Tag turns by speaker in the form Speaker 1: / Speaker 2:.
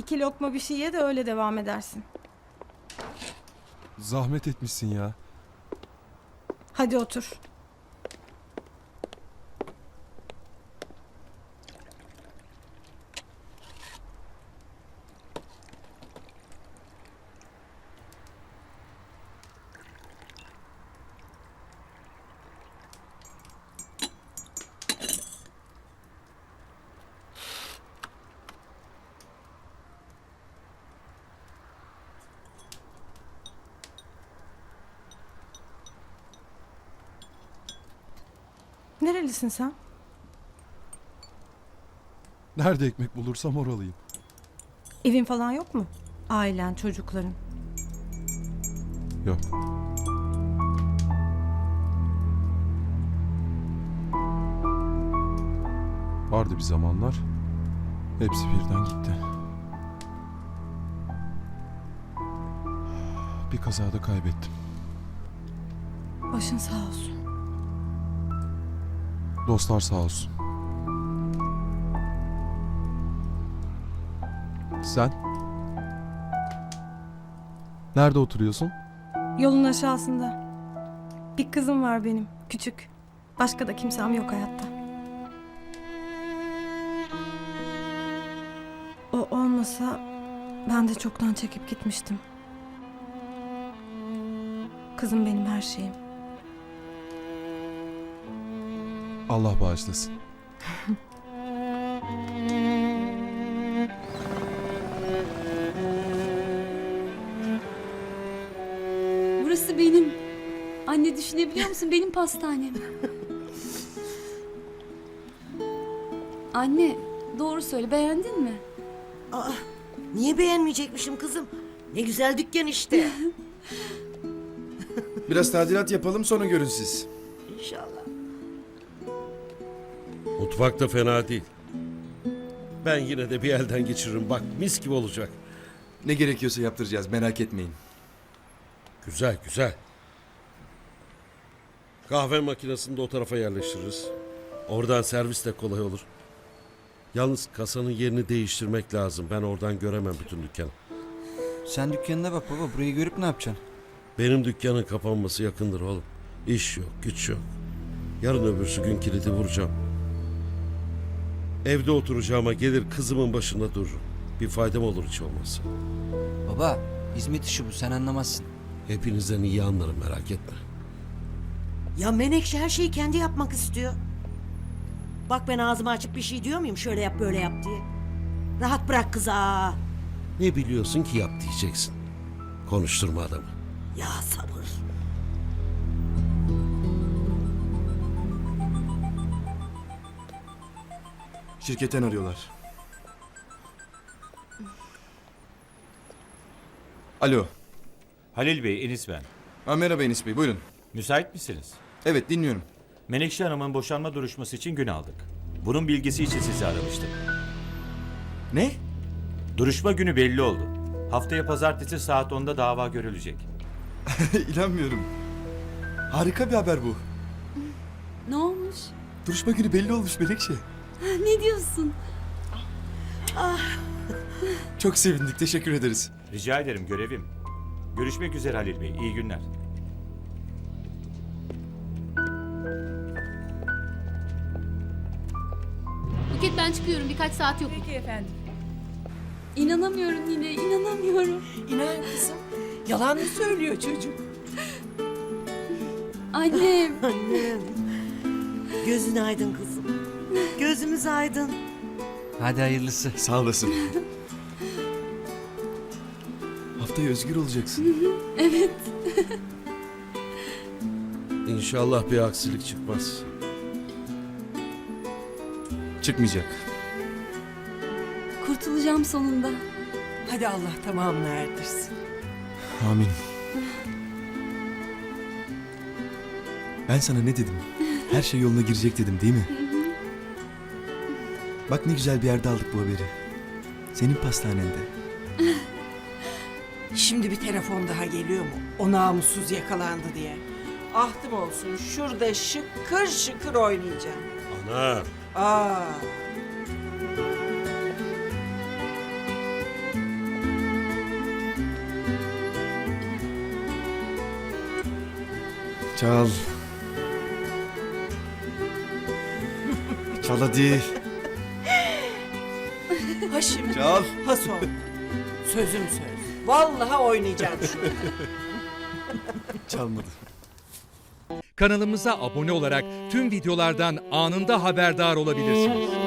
Speaker 1: 2 lokma bir şey ye de öyle devam edersin.
Speaker 2: Zahmet etmişsin ya.
Speaker 1: Hadi otur. Nerelisin sen?
Speaker 2: Nerede ekmek bulursam oralıyım.
Speaker 1: Evin falan yok mu? Ailen, çocukların.
Speaker 2: Yok. Vardı bir zamanlar. Hepsi birden gitti. Bir kazada kaybettim.
Speaker 1: Başın sağ olsun.
Speaker 2: Dostlar sağ olsun. Sen? Nerede oturuyorsun?
Speaker 1: Yolun aşağısında. Bir kızım var benim, küçük. Başka da kimsem yok hayatta. O olmasa ben de çoktan çekip gitmiştim. Kızım benim her şeyim.
Speaker 2: Allah bağışlasın.
Speaker 3: Burası benim. Anne düşünebiliyor musun? Benim pastanem. Anne, doğru söyle. Beğendin mi?
Speaker 4: Aa, niye beğenmeyecekmişim kızım? Ne güzel dükkan işte.
Speaker 5: Biraz tadilat yapalım sonra görün siz.
Speaker 4: İnşallah.
Speaker 6: Mutfak da fena değil. Ben yine de bir elden geçiririm. Bak mis gibi olacak.
Speaker 5: Ne gerekiyorsa yaptıracağız, merak etmeyin.
Speaker 6: Güzel güzel. Kahve makinesini de o tarafa yerleştiririz. Oradan servis de kolay olur. Yalnız kasanın yerini değiştirmek lazım. Ben oradan göremem bütün dükkanı.
Speaker 7: Sen dükkanına bak baba. Burayı görüp ne yapacaksın?
Speaker 6: Benim dükkanın kapanması yakındır oğlum. İş yok, güç yok. Yarın öbürsü gün kilidi vuracağım. Evde oturacağıma gelir kızımın başında dururum. Bir faydam olur hiç olmazsa.
Speaker 7: Baba, hizmet işi bu. Sen anlamazsın.
Speaker 6: Hepinizden iyi anlarım merak etme.
Speaker 4: Ya Menekşe her şeyi kendi yapmak istiyor. Bak ben ağzımı açıp bir şey diyor muyum? Şöyle yap böyle yap diye. Rahat bırak kızı. Aa.
Speaker 6: Ne biliyorsun ki yap diyeceksin. Konuşturma adamı.
Speaker 4: Ya sabır.
Speaker 5: Şirketten arıyorlar. Alo.
Speaker 8: Halil Bey, Enis ben.
Speaker 5: Merhaba Enis Bey, buyurun.
Speaker 8: Müsait misiniz?
Speaker 5: Evet, dinliyorum.
Speaker 8: Menekşe Hanım'ın boşanma duruşması için gün aldık. Bunun bilgisi için sizi aramıştım.
Speaker 5: Ne?
Speaker 8: Duruşma günü belli oldu. Haftaya pazartesi saat 10'da dava görülecek.
Speaker 5: İnanmıyorum. Harika bir haber bu.
Speaker 3: Ne olmuş?
Speaker 5: Duruşma günü belli olmuş Melekşe.
Speaker 3: Ne diyorsun?
Speaker 5: Çok sevindik, teşekkür ederiz.
Speaker 8: Rica ederim, görevim. Görüşmek üzere Halil Bey, iyi günler.
Speaker 9: Buket ben çıkıyorum birkaç saat yok.
Speaker 10: Peki efendim.
Speaker 3: İnanamıyorum yine, inanamıyorum.
Speaker 10: İnan kızım. Yalan mı söylüyor çocuk?
Speaker 3: Annem.
Speaker 4: Annem. Gözün aydın kızım. Gözümüz aydın.
Speaker 7: Hadi hayırlısı.
Speaker 5: Sağ olasın. Haftaya özgür olacaksın.
Speaker 3: Evet.
Speaker 6: İnşallah bir aksilik çıkmaz.
Speaker 5: Çıkmayacak.
Speaker 3: Kurtulacağım sonunda.
Speaker 10: Hadi Allah tamamını erdirsin.
Speaker 5: Amin. Ben sana ne dedim? Her şey yoluna girecek dedim değil mi? Bak ne güzel bir yerde aldık bu haberi. Senin pastanende.
Speaker 10: Şimdi bir telefon daha geliyor mu? O namussuz yakalandı diye. Ahtım olsun şurada şıkır şıkır oynayacağım.
Speaker 6: Ana.
Speaker 10: Aa.
Speaker 5: Çal. Çal hadi.
Speaker 10: Ha şimdi.
Speaker 5: Çal.
Speaker 10: Ha sonra. Sözüm söz. Vallahi oynayacağım şunu.
Speaker 5: Çalmadı.
Speaker 11: Kanalımıza abone olarak tüm videolardan anında haberdar olabilirsiniz.